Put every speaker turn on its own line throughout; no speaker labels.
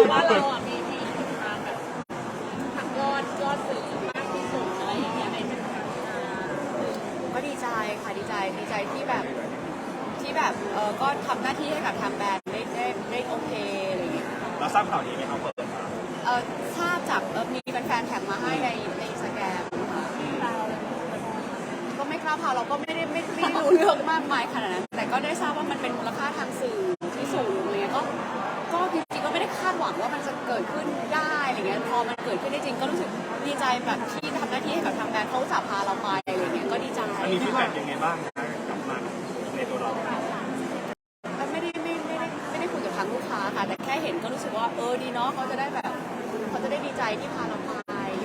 ว่าเราอ่ะมีทางแบบทางยอดสื่อมากที่สุดอะไรอย่างเงี้ยในเป็นทางการ
ก็ดีใจค่ะดีใจที่แบบก็ทำหน้าที่ให้กับทางแบรนด์ได้โอเคอะไรอย่างเงี้ย
เราทราบข่าวนี้ไหมครับเปิดมา
ทราบจากมีแฟนๆแท็กมาให้ในอินสตาแกรมค่ะก็ไม่กล้าพาเราก็ไม่ได้รู้เรื่องมากมายขนาดนั้นแต่ก็ได้ทราบว่ามันเป็นมูลค่าทางสื่อที่สูงเลยก็จริงๆก็ไม่ได้คาดหวังว่ามันจะเกิดขึ้นได้อะไรเงี้ยพอมันเกิดขึ้นได้จริงก็รู้สึกดีใจแบบที่ทำหน้าที่ให้กับทางแบรนด์เขาจะพาเราไปอะไรเงี้ยก็ดีใจ
มีฟีดแบ็กยังไงบ้างกลับมาในตัวเรา
ไม่ได้คุยกับทางลูกค้าค่ะแต่แค่เห็นก็รู้สึกว่าดีเนาะเขาจะได้ดีใจที่พาเราไป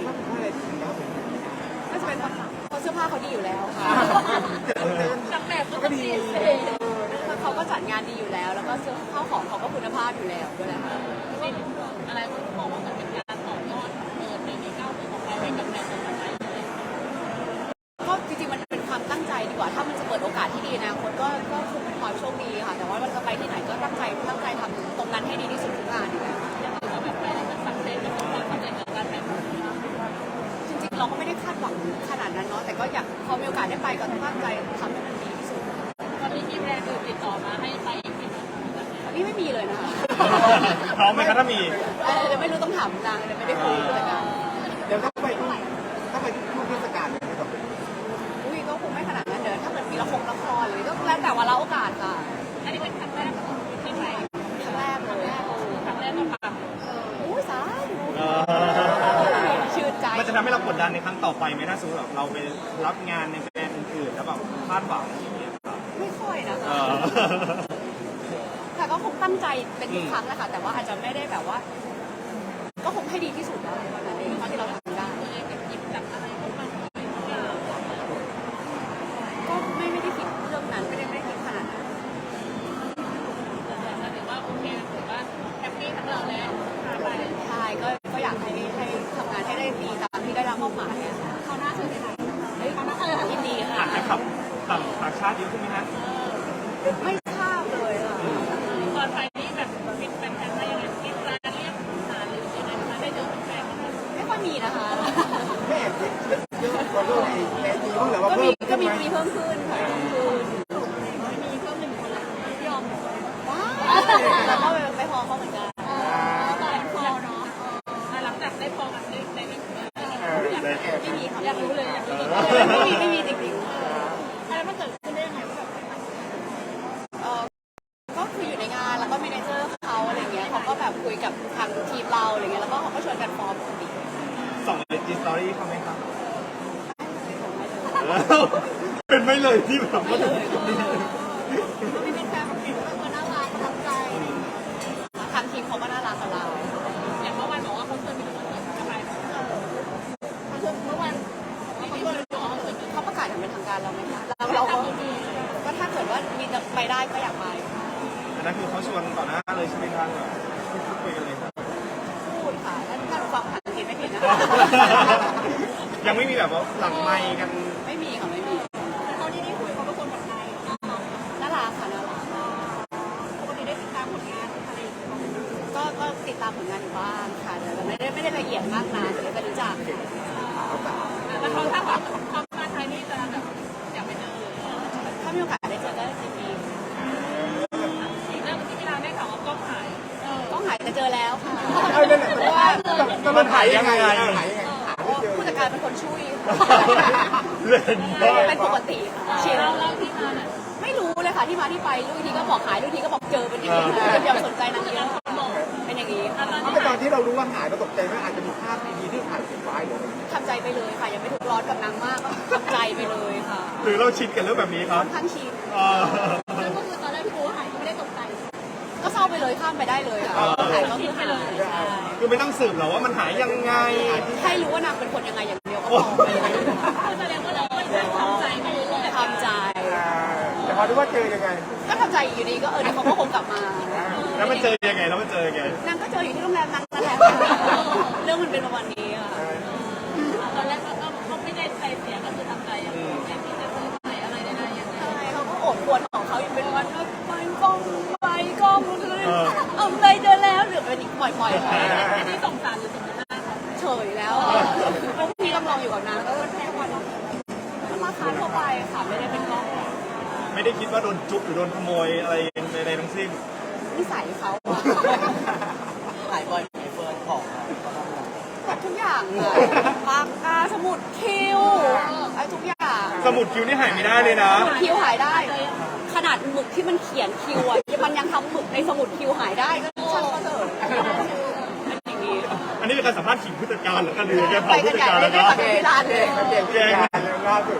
ก็จะเป็นเพราะเสื้อผ้าเขาดีอยู่แล้วค่ะ
จากแบบก็ดี
เขาก็จัดงานดีอยู่แล้วแล้วก็เสื้อผ้าของเขาก็คุณภาพอยู่แล้วด้วยแหละ
อะไรก็มองว่ามันเป็นการต่อยอดในก้าวของเราให้กับแบรนด์ต่อไป
ก็จริงๆมันเป็นความตั้งใจดีกว่าถ้ามันจะเปิดโอกาสที่ดีนะคนก็คงเป็นความโชคดีค่ะแต่ว่าเราจะไปที่ไหนก็ตั้งใจทำตรงนั้นให้ดีที่สุดทุกงานอยู่แล้ว
ยังถือว่าแบบไปแล้วมันสักเซสกับความสำเร็จของการแบรนด์
จริงๆเราก็ไม่ได้คาดหวังขนาดนั้นเนาะแต่ก็อยากพอมีโอกาสได้ไปก็ตั้งใจทำให้มันดีที่สุด
ตอนนี้มีแบรนด์อื่นติดต่อมาให้ไปอีกไหม
นี่ไม่มีเลยนะคะ
พร้อมไหมคะถ้ามี
เดี๋ยวไม่รู้ต้องถามนางเดี๋ยวไม่ได้คุยเลยกัน
เดี๋ยวต้องไปทุกเทศกาลเลยไม่ต้อง
ก็คงไม่ขนาดนั้นเดี๋ยวถ้าเกิดมีละครหรือก็แล้วแต่ว่าเราโอกาสค่ะ
อันนี้เป็นครั้งแรกที่ไป
ครั้งแรกเลย
ครั้งแรกก็ปัง
สาชื่นใจ
มันจะทำให้เรากดดันในครั้งต่อไปไหมถ้าสมมติเราไปรับงานในแบรนด์อื่นๆแล้วแบบคาดหวังอย่างเงี้ยครับ
ไม่ค่อยนะคะแต่ก็คงตั้งใจเป็นทุกครั้งแหละค่ะแต่ว่าอาจจะไม่ได้แบบว่าก็คงให้ดีที่สุดแล้ววันนั้นเองที่เราทำได้
หยิบจับอะไรก็มัน
ก็ไม่ได้คิดเรื่องนั้นไม่ได้คิดขนาดนั้น
ถือว่าโอเคถือว่าแฮปปี้ทั้งเราแล้วไป
ใช่ก็อยากให้ทำงานให้ได้ดีตามที่ได้รับมอบหมาย
เขาหน้าเธอได้ไหม
ยินดีค่ะ
จะขับต่างชาติเยอะขึ้นไหมฮะ
ไม่ทราบเลย
ก่อนไปนี่แบบปิดแฟนๆมายังไงกินร้านเรียกหาหรือยังไงมาได้เจอแฟนๆ
ไม่ค่อยมีนะคะ
ไม่แอบเยอะกว่าเรื่องในทีบ้างหรือว่า
ก็มีเพิ่มขึ้นค่ะ
มีเพิ่ม1 คนละยอม
ว้าวแล้วก็ไปพอเขาเหมือนกัน
ตอนพอเนาะหลังจากได้พอกันได้ไม่มีค่ะอยากรู้เลย
ไม่มีจริง
ๆอะไรมันเกิดขึ้นได้ยังไงแบบ
ก็คืออยู่ในงานแล้วก็เมเนเจอร์เขาอะไรเงี้ยเขาก็แบบคุยกับทางทีมเราอะไรเงี้ยแล้วก็เขาก็ชวนกันฟอร์มปกติ
ส่งจีสตอรี่เขาไหมครับเป็นไม่เลยที่แบบว่า
ไม่เป็นแฟนของคนน่ารักประทับใจ
ทางทีมเขาก็น่ารักกับเรา
อย่างเมื่อวานบอกว่าเขาชวนไปดูคอนเสิร์ตทำไมเมื่อวาน
เขาประกาศอย่างเป็นทางการเราไหมคะเราก็ถ้าเกิดว่ามีไปได้ก็อยากไป
อันนั้นคือเขาชวนต่อหน้าเลยใช่ไหมครับคุยกันเลยครับ
พูดค่ะถ้าฟังภาษาอังกฤษไม่ผิดนะ
ยังไม่มีแบบว่าหลังไมค์กัน
ไม่มีค่ะไม่มี
แต่ตอนที่ได้คุยเขาเป็นคนแบบไหน
น่ารักค่ะน่ารัก
ปกติได้ติดตามผลงานอะไร
ก็ติดตามผลงานอยู่บ้างค่ะแต่ไม่ได้ละเอียดมากนะแต่ก็รู้จัก
แล้วเขาถ้าแบบเขามาไทยนี่จะแบบอยากไปเจอ
ถ้ามีโอกาสได้เจอก็จะมี
อีกเรื่องที่เราได้ข่าวว่ากล้องหาย
แต่เจอแล้วค่ะ
เพราะว่า
มันหายยังไง
ผู้จัดการเป็นคนช่วย
เป็
นปกติ
เชียร์เราที่มา
ไม่รู้เลยค่ะที่มาที่ไปลูกทีก็บอกหายลูกทีก็บอกเจอเป็นอย่างนี้อย่าสนใจนางเยอะเป็นอย่างนี้
ตอนที่เรารู้ว่าหายเราตกใจไหมอาจจะมีภาพดีๆที่ถ่ายเก็บไว้หรือ
ทำใจไปเลยค่ะยังไม่ทุกร้อนกับนางมากก็ทำใจไปเลยค่ะ
หรือเราชินกับเรื่องแบบนี้ครับ
ค่อนข้างชิน
ก็คือตอนแรกพี่โก้หายก็ไม่ได้ตกใจ
ก็เศร้าไปเลยข้ามไปได้เลยค่ะหายก็คือหาย
คือไม่ต้องสืบหรอว่ามันหายยังไง
ให้รู้ว่านางเป็นคนยังไงอย่างเดียวก็พอ
แสดงว่าเราทำใจไปเลย
ทำใจ
แต่พอรู้ว่าเจอยังไง
ก็ทำใจอยู่ดีก็เดี๋ยวเขาก็คงกลับมา
แล้วมันเจอยังไงน
างก็เจออยู่ที่โรงแรมนางนั่นแหละเรื่องมันเป็นประมาณนี้ค่ะ
ตอนแรกเขาไม่ได้ใจเสียก็คือทำใจอย่างที่จะซื้อใหม่อะไรได้ยังไง
ใช่เขาก็โอดควรของเขาอยู่เป็นวันก็ไปกล้องเลยเอาไปเจอแล้วหรือเป็นอีกวัล่อยๆไป
อันนี้สงสารหรือสมมติว่าเขา
เฉยแล้วพวกพี่ต้องลองอยู่กับนางแล้วก็แค่วันมันราคาทั่วไปค่ะไม่ได้เป็นกล้อง
ไม่ได้คิดว่าโดนจุ๊บหรือโดนขโมยอะไรใดๆทั้งสิ้น
นิสัยเขาอะ
หายบ่อยไหมเฟิร์นของอะ
แบบทุกอย่างอะปากกาสมุดคิวไอ้ทุกอย่าง
สมุดคิ้วนี่หายไม่ได้เลยนะ
สมุดคิวหายได้ ขนาดหมึกที่มันเขียนคิวอะมันยังทำหมึกในสมุดคิวหายได้ก็ช่างก็เถอะเป็นอย่างนี้
อันนี้เป็นการสัมภาษณ์ขิงผู้จัดการเหรือกันหรือแก
ไป
เผา
กั
ผู้
น
จัด
ใหญ่
การ
เล
แล้
ยว ได้
ครับ
ทำเป็นที่ร้านเลย
เก่งแกงเลยล่าสุด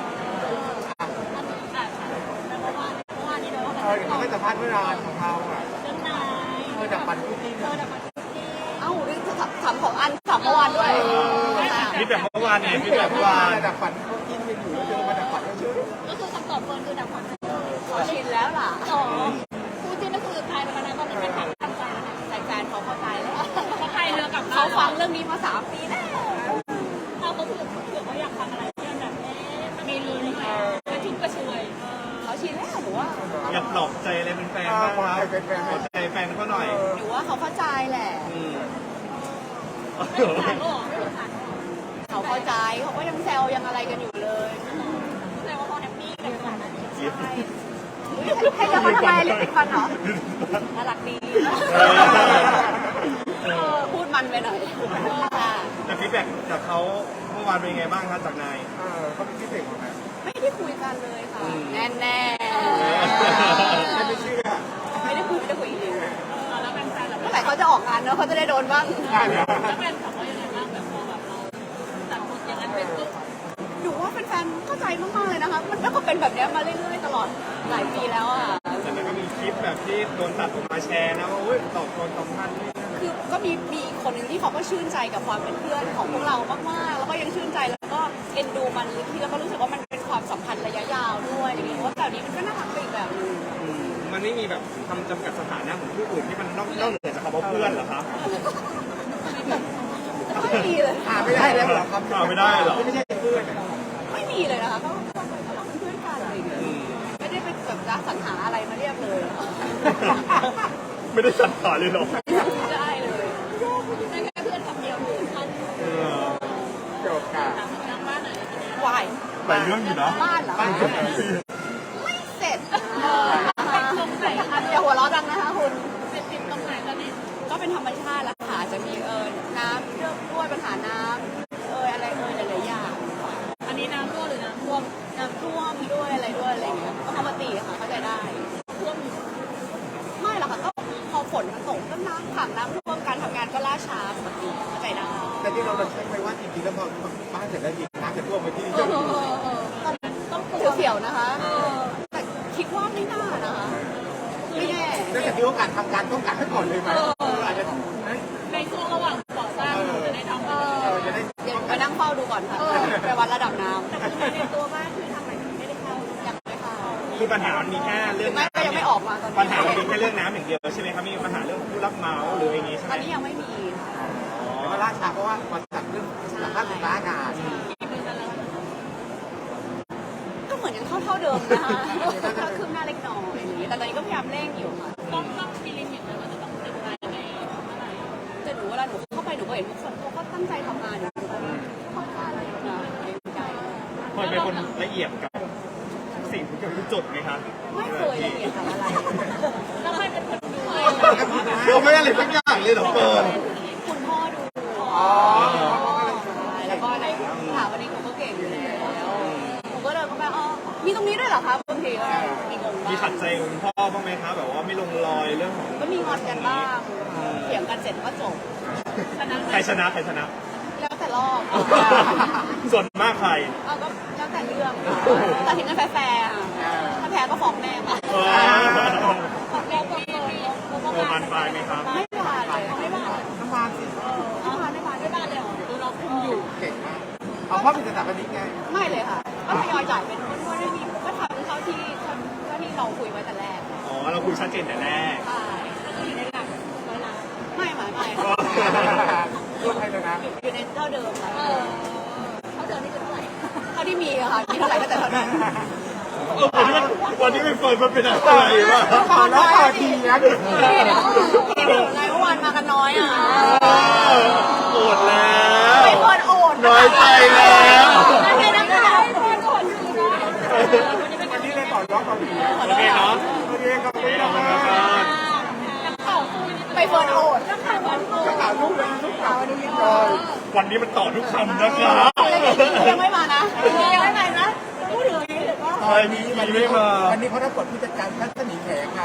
เขาไม่สัมภาษณ์เมื่อนานของเขาอ่ะ
เรื่องนาย
จากปันคู่จิ้น
เอ้านี่ถามของอันถามเมื่อวานด้วย
นี่แบบเมื่อวานเนี่ยนี่แบบเมื่อวาน
จากปันคู่จิ้นไปอยู่แล้วเจอมาจากปันก็ชื่อ
ก็คือคำตอบเฟิร์นคือดับความ
ชินแล้วล่ะ
ต่อคู่จิ้นก็คือตายไปแล้วนะตอนนี้เป็นแฟนตั้งใจแล้วนะ
แฟนๆเขาเข้าใจแล้ว
เขาพายเรือกับ
เขาฟังเรื่องนี้มา3 ปีแล้ว
เขาก็คือเผื่อเขาอยากฟังอะไรที่มันแบบมีลุ้นหน่อยกระชุ่มกระชวย
เขาชินแล้วหนูว่า
อยากปลอบใจอะไรเป็นแฟนบ้างครับ
เป็นแฟน
ปลอบใจแฟนเขาหน่อย
หนูว่าเขาเข้าใจแหละ
ไม่สงสารก็หรอไม่สงสาร
เขาเข้าใจเขาก็ยังแซวยังอะไรกันอยู่เลย
แสดงว่าเขาแฮปปี้กับขนาดนั้น
ให้จะมาทำไมลิปติดฟันเหรอน่ารักดีพูดมันไปหน่อยค่ะ
แต่ฟีดแบ็กจากเขาเมื่อวานเป็นยังไงบ้างครับจากนาย
เขาเป็นพิเศษของนะ
ไม่ได้คุยกันเลยค่ะแน่แน่
ไม่เชื่อ
ไม่ได้คุยจริง
แล้วแฟนๆแบบ
เมื่อไหร่เขาจะออกงานเนอะเขาจะได้โดนบ้าง
แล้วแฟนถามว่ายังไงบ้างแบบพอแบบเราจัดบทอย่างนั้นเป็นปุ๊บ
หนูว่าแฟนๆเข้าใจมากๆเลยนะคะมันก็เป็นแบบนี้มาเรื่อยๆตลอดหลายปีแล้วอ่ะ
แต่มันก็มีคลิปแบบที่โดนตัดออกมาแชร์นะว่าโอ้ยตอบคนตอบพันนี่
คือก็มีอีกคนหนึ่งที่เขาก็ชื่นใจกับความเป็นเพื่อนของพวกเรามากๆแล้วก็ยังชื่นใจแล้วก็เอ็นดูมันที่แล้วก็รู้สึกว่ามันเป็นความสัมพันธ์ระยะยาวด้วยอย่างเงี้ยว่าแบบนี้มันก็น่ารักไปอีกแบบนึง
มันไม่มีแบบคำจำกัดสถานะของผู้อื่นที่มันนอกเหนือจากคำว่าเพื่อนเหรอครับ
ไม่มีเลย
ไม่ได้แล้วเหรอครับ
ไม่ได้เหรอ
ไม่ใช่เพื่อน
ไม่มีเลยนะคะก็เป็นเพื่อนกันอะไรอย่างเงี้ยไม่ได้เป็นแบบรักสรรหาอะไรมาเรียกเลยนะคะ
ไม่ได้สัตว์ขาเลยหรอ
ไม่ได้เลย
ได้แค่เพื่อนคำเดียวคือท่าน
จบค่ะ
ทางบ้านไหน
วาย
หลายเรื่องอยู่นะ
บ้านเหรอ
บ้านเกิด
ไม่เสร็จอย่าหัวเราะดังนะคะคุณ
เป็นติดตรงไหนตอนนี้
ก็เป็นธรรมชาติแล้วค่ะจะมีน้ำเรื่องด้วยปัญหาน้ำอะไรหลายๆอย่าง
อันนี้น้ำรั่วหรือน้ำท่วม
น้ำท่วมด้วยอะไรอย่างเงี้ยก็ปกติค่ะเข้าใจได้
ท่วม
ไม่หรอกค่ะก็พอฝนมันตกก็น้ำขังน้ำท่วมการทำงานก็ล่าช้าปกติเข้าใจได้
แต่ที่เราเช็คไปว่าจริงๆแล้วพอบ้านเสร็จแล้วยิงน้ำจะท่วมไปที่
ต้องเขียวๆนะคะแต่คิดว่าไม่น่านะคะไม่แน่
นั่นแต่ที่ว่าการทำการต้องการให้ก่อนเลยไหมอาจจะ
ในช่วงระหว่างก่อสร้างจะได้ทำ
จะได้
เดี๋ยวไปนั่งเฝ้าดูก่อนค่ะไปวัดระดับน้ำ
แต่คือในตัวบ้านคือทำอะไรไม่ได้เข้า
ยังไม่เข้า
คือปัญหามันมีแค่เรื่อง
ไม่
น้ำ
ก็ยังไม่ออกมาตอนนี้
ปัญหามันมีแค่เรื่องน้ำอย่างเดียวใช่ไหมครับมีปัญหาเรื่องผู้รับเหมาหรืออย่างงี้ใช่ไห
ต
ม
อนนี้ยังไม่มีค่ะ
แต่ว่าล่าช้าเพราะว่ามาจากเรื่องหลังบ้านสุดท้ายงาน
กี่ปีแล้ว
ก็เหมือนยังเท่าเดิมนะคะก็คืบหน้าเล็กน้อยอย่างนี้แต่ตอนนี้ก็พยายามเร่งอยู่ค่ะ
ต้องมีลิมิตนะว่าจะต้องเสร็จภายในเมื่อไหร่
แต่หนูเวลาหนูเข้าไปหนูก็เห็นทุกคนเขาก็ตั้งใจทำงานอยู่เข้าใจอะไรอยู่นะใจ
พลอยเป็นคนละเอียดกับทุกสิ่งทุกอย่างทุกจุดไหมครับ
ไม่เคยละเอียดกับอะไร
แล้วใครเป็นคนดู
เราไม่ได้เลยสักอย่างเลยเหรอเฟิร์น
คุณพ่อดูแล้วก็ในถามวันนี้หนูก็เก่งอยู่แล้วหนูก็เดินเข้าไปอ๋อมีตรงนี้ด้วยเหรอครับบางทีก็มีงง
มีขั
บ้า
ด
ง
ใจคุณพ่อบ้างไหมครับแบบว่าไม่ลงรอยเรื่องของ
ก็มีงอนกันบ้างเถียงกันเสร็จก็จบ
ชนะ
ใครชนะใครชนะ
แล้วแต่รอบ
ส่วนมากใคร
เอาก็แล้วแต่เรื่องแต่ถึงกันแฟร์ๆถ้าแพ้ก็ฟ้องแม่มา
ของเราก็มี
โอมันไฟไหมครับ
ไม่ผ่านเลยไม่ผ่าน
น้ำมันสิ
ไม่ผ่านไม่ผ่าน
ไม่บ้านเลยเหรอดูเราคุมอยู่
เก่งมากเอาพ่อเป็นสถาปนิกไง
ไม่เลยค่ะก็ทยอยจ่ายเป็นคนไม่มีก็ทำเท่าที่เราคุยไว้แต่แรก
อ๋อเราคุยชัดเจนแต่แรก
ใช่
ก็คืออยู่ในหลักร้อยล้าน
ไม่
ยกให้เลยนะ
อยู่ในเท่าเดิมค่ะ
เขาเจอนี่คือเท่าไหร่
เท่าที่มีอะค่ะมีเท่าไหร่ก็แต่เท่านั้น
ค
วันนี้ไม่เฟิร์นมันเป็นอะไรวะ
ต่อแล้วต่อทีนะ
นายเมื่อวานมากันน้อยอ่ะ
โกรธแล้ว
ไม่ควรโอด
น้อยใจแล้ว
ไม่ใช่นะคะ
วันนี้เลยต่อยอดต่อที
โอเคเนาะ
โอเคขอบคุณ
ขอบคุณครับ
ไปเฟิร์นโอด
ข่าวลูกเลยลูกข่าววันนี้ก่อน
วันนี้มันต่อทุกคำนะครับ
ยังไม่มานะยังไม่มานะพูดถึงนี้หรือว่า
ใช่มีไม่มา
วันนี้เขารับบทผู้จัดการทัศนีแขกค่ะ